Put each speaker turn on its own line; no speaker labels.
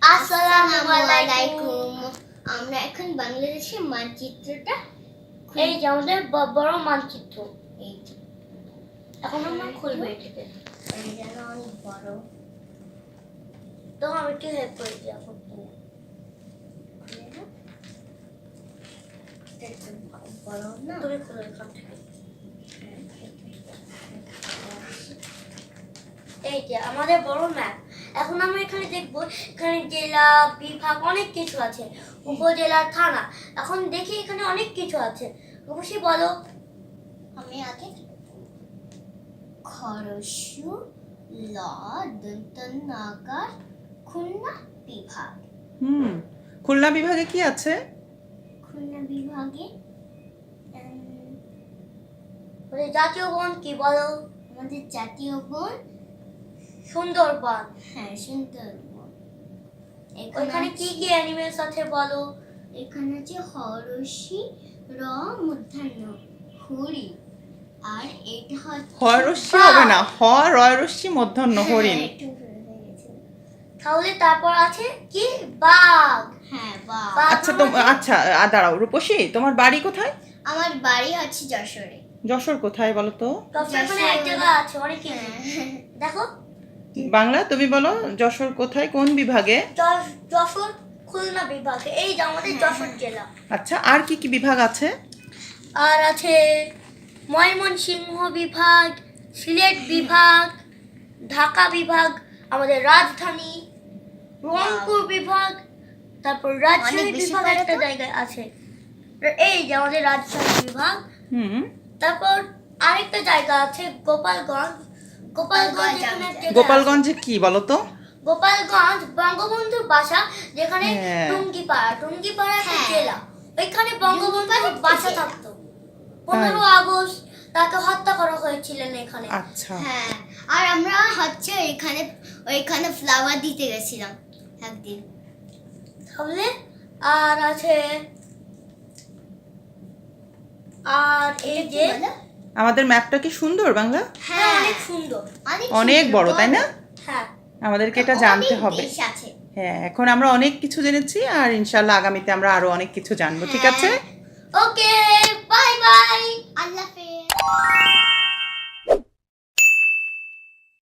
আসসালামু আলাইকুম। আমরা এখন বাংলাদেশের মানচিত্রটা
এই যে আমাদের বড় মানচিত্র।
এই যে
এখন আমরা খুলবো এটাকে।
যেন অনেক বড়।
তো আমি একটু হেল্প করে দিই এখন।
বড় না
তুমি খুলো এখান থেকে। এই যে আমাদের বড় ম্যাপ। এখন আমরা এখানে দেখবো, এখানে জেলা, বিভাগ অনেক কিছু আছে, উপজেলা, থানা। এখন দেখি এখানে অনেক কিছু আছে। অবশ্যই বলো।
আমি আগে খরসু ল দন্ত নাগার খুলনা বিভাগ।
খুলনা বিভাগে কি আছে?
খুলনা বিভাগে
জাতীয় বন কি বলো?
আমাদের জাতীয় বন
সুন্দরবন।
হ্যাঁ, সুন্দরবন।
ওখানে কি কি অ্যানিমেলস আছে বলো?
এখানে আছে হরসি র মূর্ধন্য হরি, আর এটা হচ্ছে
হরস্যি হবে না, রয়রস্যি মূর্ধন্য হরিণ।
একটু ভুল হয়ে গেছে।
তাহলে তারপর আছে কি? বাঘ।
হ্যাঁ, বা
বাঘ
আচ্ছা আচ্ছা দাঁড়াও রূপসী, তোমার বাড়ি কোথায়?
আমার বাড়ি হচ্ছে যশোরে।
যশোর কোথায় বলো তো?
এখানে এক জায়গা আছে অনেক কিছু। দেখো
বাংলা তুমি বলো, যশোর কোথায়, কোন বিভাগে?
যশোর খুলনা বিভাগে। এই যে আমাদের যশোর জেলা।
আচ্ছা, আর কি কি বিভাগ আছে?
আর আছে ময়মনসিংহ বিভাগ, সিলেট বিভাগ, ঢাকা বিভাগ, আমাদের রাজধানী, রংপুর বিভাগ, তারপর রাজশাহী
অনেক বেশি
বিভাগ
করে
একটা
তো।
জায়গায় আছে। এই যে আমাদের রাজশাহী বিভাগ। তারপর আরেকটা জায়গা আছে গোপালগঞ্জ। গোপালগঞ্জ এখানে একটা জায়গা আছে।
গোপালগঞ্জে কি বলো তো?
গোপালগঞ্জ বঙ্গবন্ধুর বাসা, যেখানে
হ্যাঁ।
টুঙ্গিপাড়া একটা
হ্যাঁ।
জেলা। ওইখানে বঙ্গবন্ধুর বাসা থাকতো। 15 আগস্ট তাকে হত্যা করা হয়েছিলেন এখানে।
আচ্ছা,
হ্যাঁ, আর আমরা হচ্ছে ওইখানে ফ্লাওয়ার দিতে গেছিলাম একদিন।
তাহলে আর আছে, আর এই যে
বলো?
আমাদের ম্যাপটা কি সুন্দর বাংলা?
হ্যাঁ অনেক সুন্দর।
অনেক
সুন্দর,
বড়, তাই না?
হ্যাঁ
আমাদেরকে এটা জানতে
অনেক
হবে।
দেশ আছে।
হ্যাঁ, এখন আমরা অনেক কিছু জেনেছি, আর ইনশাল্লাহ আগামীতে আমরা আরো অনেক কিছু জানবো। ঠিক আছে?
ওকে, বাই বাই।
আল্লাহ হাফেজ।